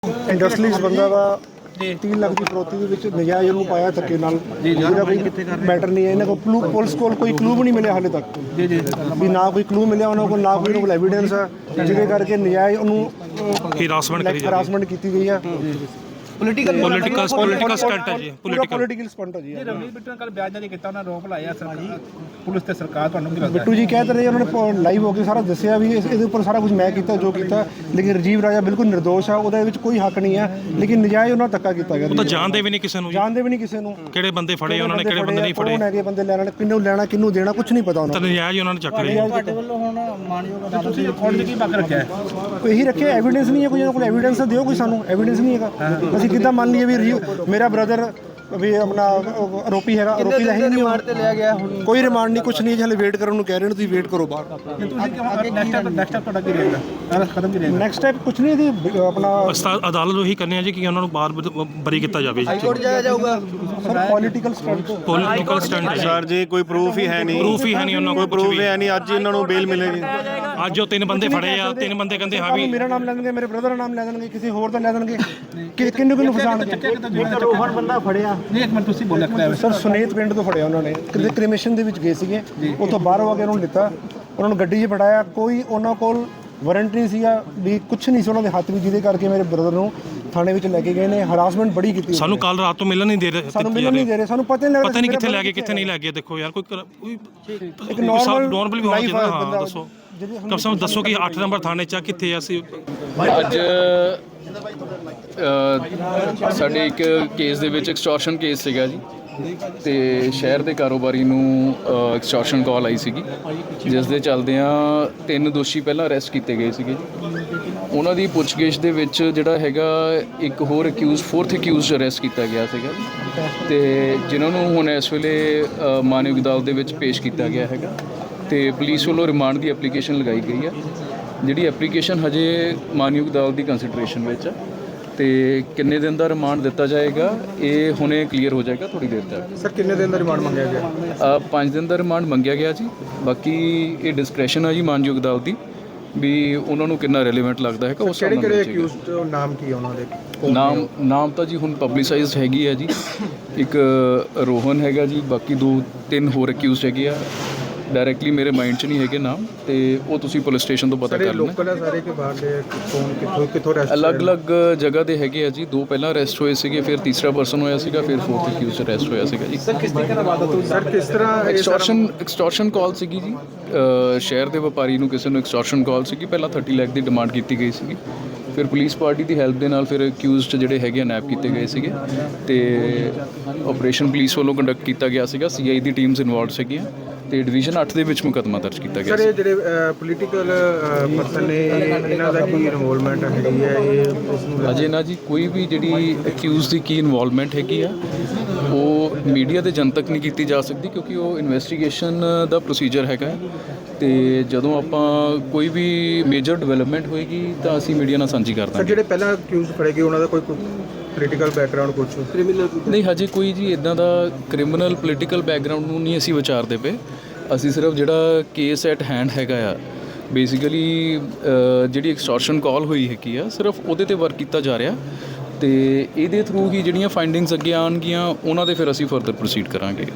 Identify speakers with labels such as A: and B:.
A: Industries ਬੰਦਾ ਦਾ 3 ਲੱਖ ਦੀ ਫਰੋਤੀ ਦੇ ਵਿੱਚ ਨਜਾਇਜ਼ ਉਹਨੂੰ ਪਾਇਆ ਧੱਕੇ ਨਾਲ ਜਿਹਦਾ ਕੋਈ ਮੈਟਰ ਨਹੀਂ ਹੈ। ਇਹਨਾਂ ਕੋਲ ਪੁਲਿਸ ਕੋਲ ਕੋਈ ਕਲੂ ਵੀ ਨਹੀਂ ਮਿਲਿਆ ਹਾਲੇ ਤੱਕ ਵੀ ਨਾ ਕੋਈ ਕਲੂ ਮਿਲਿਆ ਉਹਨਾਂ ਕੋਲ, ਨਾ ਕੋਈ ਕੋਲ ਐਵੀਡੈਂਸ ਹੈ, ਜਿਹਦੇ ਕਰਕੇ ਨਜਾਇਜ਼ ਉਹਨੂੰ ਹਰਾਸਮੈਂਟ ਕੀਤੀ ਗਈ ਹੈ।
B: ਪੋਲੀਟੀਕਲ ਸਟੰਟ ਹੈ ਜੀ,
A: ਪੋਲੀਟੀਕਲ ਸਟੰਟ ਹੈ ਜੀ।
B: ਰਵਨੀਤ ਬਿੱਟੂ ਨੇ ਕੱਲ ਬਿਆਨ ਜਾਰੀ ਕੀਤਾ, ਉਹਨਾਂ ਆਰੋਪ ਲਾਇਆ ਪੁਲਿਸ ਤੇ ਸਰਕਾਰ। ਤੁਹਾਨੂੰ ਕੀ ਲੱਗਦਾ?
A: ਬਿੱਟੂ ਜੀ ਕਹਿ ਰਹੇ ਉਹਨਾਂ ਨੇ ਲਾਈਵ ਹੋ ਕੇ ਸਾਰਾ ਦੱਸਿਆ ਵੀ ਇਹਦੇ ਉੱਪਰ ਸਾਰਾ ਕੁਝ ਮੈਂ ਕੀਤਾ ਜੋ ਕੀਤਾ, ਲੇਕਿਨ ਰਾਜੀਵ ਰਾਜਾ ਬਿਲਕੁਲ ਨਿਰਦੋਸ਼ ਆ, ਉਹਦੇ ਵਿੱਚ ਕੋਈ ਹੱਕ ਨਹੀਂ ਹੈ, ਲੇਕਿਨ ਨਜਾਇਜ਼ ਉਹਨਾਂ ਧੱਕਾ ਕੀਤਾ ਗਿਆ।
B: ਉਹ ਤਾਂ ਜਾਣਦੇ ਵੀ ਨਹੀਂ ਕਿਸੇ ਨੂੰ,
A: ਜਾਣਦੇ ਵੀ ਨਹੀਂ ਕਿਸੇ ਨੂੰ
B: ਕਿਹੜੇ ਬੰਦੇ ਫੜੇ ਉਹਨਾਂ ਨੇ, ਕਿਹੜੇ ਬੰਦੇ ਨਹੀਂ ਫੜੇ,
A: ਕੌਣ ਹੈਗੇ ਬੰਦੇ ਲੈਣਾ, ਕਿਹਨੂੰ ਲੈਣਾ ਕਿਹਨੂੰ ਦੇਣਾ, ਕੁਝ ਨਹੀਂ ਪਤਾ ਉਹਨਾਂ
B: ਨੂੰ। ਤਾਂ ਨਜਾਇਜ਼ ਉਹਨਾਂ ਨੇ ਚੱਕ ਲਿਆ।
A: ਤੁਹਾਡੇ ਵੱਲੋਂ ਹੁਣ ਮਾਨਯੋਗ ਅਦਾਲਤ
B: ਤੁਸੀਂ ਕੋਰਟ ਦੇ ਕੀ ਮੰਗ ਰੱਖਿਆ?
A: ਕੋਈ ਇਹੀ ਰੱਖਿਆ, ਐਵੀਡੈਂਸ ਨਹੀਂ ਹੈ, ਕੋਈ ਇਹਨਾਂ ਕੋਲ ਐਵੀਡੈਂਸ ਦਿਓ, ਕੋਈ ਸਾਨੂੰ ਐਵੀਡੈਂਸ ਨਹੀਂ ਹੈਗਾ। ਅਸੀਂ ਕਿੱਦਾਂ ਮੰਨ ਲਈਏ ਵੀ ਮੇਰਾ ਬ੍ਰਦਰ ਵੀ ਆਪਣਾ ਆਰੋਪੀ ਹੈਗਾ, ਆਰੋਪੀ ਦਾ ਹੀ ਨਹੀਂ ਰਿਮਾਂਡ ਤੇ ਲਿਆ ਗਿਆ, ਕੋਈ ਰਿਮਾਂਡ ਨਹੀਂ, ਕੁਝ ਨਹੀਂ, ਹਲੇ ਵੇਟ ਕਰਨ ਨੂੰ ਕਹਿ ਰਹੇ ਨੇ, ਤੁਸੀਂ ਵੇਟ ਕਰੋ ਬਾਹਰ।
B: ਨੈਕਸਟ ਸਟੈਪ ਤੁਹਾਡਾ ਕੀ ਰਹੇਗਾ? ਕਦਮ ਕੀ ਰਹੇਗਾ?
A: ਨੈਕਸਟ ਸਟੈਪ ਕੁਝ ਨਹੀਂ, ਇਹਦੀ ਆਪਣਾ
B: ਅਦਾਲਤ ਨੂੰ ਇਹੀ ਕਰਨੀ ਹੈ ਜੀ ਕਿ ਉਹਨਾਂ ਨੂੰ ਬਾਹਰ ਬਰੀ ਕੀਤਾ ਜਾਵੇ।
A: ਹਾਈ ਕੋਰਟ ਜਾਇਆ ਜਾਊਗਾ ਸਰ। ਪੋਲੀਟੀਕਲ
B: ਸਟੰਟ
C: ਸਰ ਜੀ, ਕੋਈ ਪ੍ਰੂਫ ਹੀ ਹੈ ਨਹੀਂ,
B: ਉਹਨਾਂ ਕੋਲ
C: ਕੋਈ ਪ੍ਰੂਫ ਹੈ ਨਹੀਂ। ਅੱਜ ਇਹਨਾਂ ਨੂੰ ਬੇਲ ਮਿਲੇਗੀ।
B: ਅੱਜ ਉਹ 3 ਬੰਦੇ ਫੜੇ ਆ, 3 ਬੰਦੇ ਕਹਿੰਦੇ ਹਾਂ ਵੀ
A: ਮੇਰਾ ਨਾਮ ਲੈ ਦੇਣਗੇ, ਮੇਰੇ ਬ੍ਰਦਰ ਦਾ ਨਾਮ ਲੈ ਦੇਣਗੇ, ਕਿਸੇ ਹੋਰ ਦਾ ਲੈ ਦੇਣਗੇ, ਕਿੰਨੂੰ ਫਸਾਣਗੇ। ਬੰਦਾ ਫੜਿਆ
B: ਨਹੀਂ, ਇੱਕ ਮਿੰਟ ਤੁਸੀਂ ਬੋਲਿਆ
A: ਸਰ, ਸੁਨੇਤ ਪਿੰਡ ਤੋਂ ਫੜਿਆ ਉਹਨਾਂ ਨੇ, ਕਿਤੇ ਕ੍ਰਿਮੇਸ਼ਨ ਦੇ ਵਿੱਚ ਗਏ ਸੀਗੇ, ਉੱਥੋਂ ਬਾਹਰੋਂ ਆ ਕੇ ਉਹਨਾਂ ਨੂੰ ਲਿੱਤਾ, ਉਹਨਾਂ ਨੂੰ ਗੱਡੀ 'ਚ ਬਿਠਾਇਆ, ਕੋਈ ਉਹਨਾਂ ਕੋਲ ਵਾਰੰਟ ਨਹੀਂ ਸੀਗਾ ਵੀ ਕੁਝ ਨਹੀਂ ਸੀ ਉਹਨਾਂ ਦੇ ਹੱਥ ਵਿੱਚ, ਜਿਹਦੇ ਕਰਕੇ ਮੇਰੇ ਬ੍ਰਦਰ ਨੂੰ ਥਾਣੇ ਵਿੱਚ ਲੈ ਕੇ ਗਏ ਨੇ, ਹਰਾਸਮੈਂਟ ਬੜੀ ਕੀਤੀ।
B: ਸਾਨੂੰ ਕੱਲ ਰਾਤ ਤੋਂ ਮਿਲਣ ਨਹੀਂ ਦੇ ਰਹੇ,
A: ਸਾਨੂੰ ਮਿਲਣ ਨਹੀਂ ਦੇ ਰਹੇ, ਸਾਨੂੰ ਪਤਾ
B: ਨਹੀਂ ਕਿੱਥੇ ਲੈ ਕੇ ਕਿੱਥੇ ਨਹੀਂ ਲੈ ਕੇ। ਦੇਖੋ ਯਾਰ, ਕੋਈ
A: ਇੱਕ ਨਾਰਮਲ
B: ਵੀ ਹੋਣਾ ਚਾਹੀਦਾ। ਹਾਂ ਦੱਸੋ, ਕਮ ਸੇ ਕਮ ਦੱਸੋ ਕਿ 8 ਨੰਬਰ ਥਾਣੇ 'ਚ ਕਿੱਥੇ ਅਸੀਂ
D: ਅੱਜ ਸਾਡੇ ਇੱਕ ਕੇਸ ਦੇ ਵਿੱਚ ਐਕਸਟੋਰਸ਼ਨ ਕੇਸ ਸੀਗਾ ਜੀ, ਤੇ ਸ਼ਹਿਰ ਦੇ ਕਾਰੋਬਾਰੀ ਨੂੰ ਐਕਸਟੋਰਸ਼ਨ ਕਾਲ ਆਈ ਸੀਗੀ, ਜਿਸ ਦੇ ਚੱਲਦਿਆਂ 3 ਦੋਸ਼ੀ ਪਹਿਲਾਂ ਅਰੈਸਟ ਕੀਤੇ ਗਏ ਸੀਗੇ ਜੀ। ਉਹਨਾਂ ਦੀ ਪੁੱਛਗਿੱਛ ਦੇ ਵਿੱਚ ਜਿਹੜਾ ਹੈਗਾ ਇੱਕ ਹੋਰ ਅਕਿਊਜ਼, 4th ਅਕਿਊਜ਼ ਅਰੈਸਟ ਕੀਤਾ ਗਿਆ ਸੀਗਾ, ਤੇ ਜਿਨ੍ਹਾਂ ਨੂੰ ਹੁਣ ਇਸ ਵੇਲੇ ਮਾਨਯੋਗ ਅਦਾਲਤ ਦੇ ਵਿੱਚ ਪੇਸ਼ ਕੀਤਾ ਗਿਆ ਹੈਗਾ, ਤੇ ਪੁਲਿਸ ਵੱਲੋਂ ਰਿਮਾਂਡ ਦੀ ਐਪਲੀਕੇਸ਼ਨ ਲਗਾਈ ਗਈ ਹੈ। ਜਿਹੜੀ ਐਪਲੀਕੇਸ਼ਨ ਹਜੇ ਮਾਨਯੋਗ ਅਦਾਲਤ ਦੀ ਕੰਸੀਡਰੇਸ਼ਨ ਵਿੱਚ ਹੈ, ਤੇ ਕਿੰਨੇ ਦਿਨ ਦਾ ਰਿਮਾਂਡ ਦਿੱਤਾ ਜਾਏਗਾ ਇਹ ਹੁਣੇ ਕਲੀਅਰ ਹੋ ਜਾਏਗਾ ਥੋੜੀ ਦੇਰ ਤੱਕ।
A: ਸਰ, ਕਿੰਨੇ ਦਿਨ ਦਾ ਰਿਮਾਂਡ ਮੰਗਿਆ ਗਿਆ?
D: 5 ਦਿਨ ਦਾ ਰਿਮਾਂਡ ਮੰਗਿਆ ਗਿਆ ਜੀ। ਬਾਕੀ ਇਹ ਡਿਸਕ੍ਰੈਸ਼ਨ ਹੈ ਜੀ ਮਾਨਯੋਗ ਅਦਾਲਤ ਦੀ, ਵੀ ਉਹਨਾਂ ਨੂੰ ਕਿੰਨਾ ਰੈਲੇਵੈਂਟ ਲੱਗਦਾ ਹੈਗਾ ਉਸ ਹਿਸਾਬ ਨਾਲ।
A: ਕਿਹੜੇ ਅਕਿਊਜ਼ਡ ਨਾਮ ਕੀ ਉਹਨਾਂ ਦੇ?
D: ਨਾਮ ਤਾਂ ਜੀ ਹੁਣ ਪਬਲਿਸਾਈਜ਼ਡ ਹੈਗੀ ਹੈ ਜੀ। ਇੱਕ ਰੋਹਨ ਹੈਗਾ ਜੀ, ਬਾਕੀ 2-3 ਹੋਰ ਅਕਿਊਜ਼ਡ ਹੈਗੇ ਆ, ਡਾਇਰੈਕਟਲੀ ਮੇਰੇ ਮਾਈਂਡ 'ਚ ਨਹੀਂ ਹੈਗੇ ਨਾਮ, ਤੇ ਉਹ ਤੁਸੀਂ ਪੁਲਿਸ ਸਟੇਸ਼ਨ ਤੋਂ ਪਤਾ ਕਰ ਲੈਣਾ।
A: ਲੋਕਲ ਹੈ ਸਾਰੇ ਕਿ ਬਾਹਰ ਦੇ? ਕੌਣ ਕਿੱਥੋਂ ਅਰੈਸਟ?
D: ਅਲੱਗ-ਅਲੱਗ ਜਗ੍ਹਾ ਦੇ ਹੈਗੇ ਆ ਜੀ। 2 ਪਹਿਲਾਂ ਅਰੈਸਟ ਹੋਏ ਸੀਗੇ, ਫਿਰ ਤੀਸਰਾ ਪਰਸਨ ਹੋਇਆ ਸੀਗਾ, ਫਿਰ 4th ਅਕਿਊਜ਼ ਅਰੈਸਟ ਹੋਇਆ ਸੀਗਾ ਜੀ।
A: ਸਰ, ਕਿਸ ਤਰ੍ਹਾਂ
D: ਐਕਸਟੋਰਸ਼ਨ ਕਾਲ ਸੀਗੀ ਜੀ। ਸ਼ਹਿਰ ਦੇ ਵਪਾਰੀ ਨੂੰ ਕਿਸੇ ਨੂੰ ਐਕਸਟੋਰਸ਼ਨ ਕਾਲ ਸੀਗੀ, ਪਹਿਲਾਂ 30 ਲੱਖ ਦੀ ਡਿਮਾਂਡ ਕੀਤੀ ਗਈ ਸੀਗੀ, ਫਿਰ ਪੁਲਿਸ ਪਾਰਟੀ ਦੀ ਹੈਲਪ ਦੇ ਨਾਲ ਫਿਰ ਅਕਿਊਜ਼ਡ ਜਿਹੜੇ ਹੈਗੇ ਨੈਪ ਕੀਤੇ ਗਏ ਸੀਗੇ, ਤੇ ਆਪਰੇਸ਼ਨ ਪੁਲਿਸ ਵੱਲੋਂ ਕੰਡਕਟ ਕੀਤਾ ਗਿਆ ਸੀਗਾ। CI ਦੀ ਟੀਮਸ ਇਨਵੋਲਵਡ ਸੀਗੀਆਂ, ਤੇ ਡਿਵੀਜ਼ਨ 8 ਦੇ ਵਿੱਚ ਮੁਕੱਦਮਾ ਦਰਜ ਕੀਤਾ ਗਿਆ।
A: ਸਰ, ਇਹ ਜਿਹੜੇ ਪੋਲੀਟੀਕਲ ਪਰਸਨ ਨੇ, ਇਹਨਾਂ ਦਾ ਕੀ ਇਨਵੋਲਵਮੈਂਟ ਹੈਗੀ ਹੈ ਇਹ?
D: ਅਜੇ ਨਾ ਜੀ ਕੋਈ ਵੀ ਜਿਹੜੀ ਅਕਿਊਜ਼ ਦੀ ਕੀ ਇਨਵੋਲਵਮੈਂਟ ਹੈਗੀ ਆ ਉਹ ਮੀਡੀਆ ਤੇ ਜਨਤਕ ਨਹੀਂ ਕੀਤੀ ਜਾ ਸਕਦੀ, ਕਿਉਂਕਿ ਉਹ ਇਨਵੈਸਟੀਗੇਸ਼ਨ ਦਾ ਪ੍ਰੋਸੀਜਰ ਹੈਗਾ, ਤੇ ਜਦੋਂ ਆਪਾਂ ਕੋਈ ਵੀ ਮੇਜਰ ਡਿਵੈਲਪਮੈਂਟ ਹੋਏਗੀ ਤਾਂ ਅਸੀਂ ਮੀਡੀਆ ਨਾਲ ਸਾਂਝੀ ਕਰ ਦਾਂਗੇ।
A: ਸਰ, ਜਿਹੜੇ ਪਹਿਲਾਂ ਅਕਿਊਜ਼ ਫੜੇ ਗਏ ਉਹਨਾਂ ਦਾ ਕੋਈ ਪੋਲੀਟੀਕਲ ਬੈਕਗ੍ਰਾਉਂਡ ਕੁਝ ਕ੍ਰਿਮੀਨਲ?
D: ਨਹੀਂ, ਹਜੇ ਕੋਈ ਜੀ ਇਦਾਂ ਦਾ ਕ੍ਰਿਮੀਨਲ ਪੋਲੀਟੀਕਲ ਬੈਕਗ੍ਰਾਉਂਡ ਨੂੰ ਨਹੀਂ ਅਸੀਂ ਵਿਚਾਰਦੇ ਪਏ। ਅਸੀਂ ਸਿਰਫ ਜਿਹੜਾ ਕੇਸ ਐਟ ਹੈਂਡ ਹੈਗਾ ਆ, ਬੇਸਿਕਲੀ ਜਿਹੜੀ ਐਕਸਟੋਰਸ਼ਨ ਕਾਲ ਹੋਈ ਹੈਗੀ ਆ, ਸਿਰਫ ਉਹਦੇ ਤੇ ਵਰਕ ਕੀਤਾ ਜਾ ਰਿਹਾ, ਤੇ ਇਹਦੇ ਥਰੂ ਹੀ ਜਿਹੜੀਆਂ ਫਾਈਂਡਿੰਗਸ ਅੱਗੇ ਆਉਣਗੀਆਂ ਉਹਨਾਂ ਦੇ ਫਿਰ ਅਸੀਂ ਫਰਦਰ ਪ੍ਰੋਸੀਡ ਕਰਾਂਗੇ।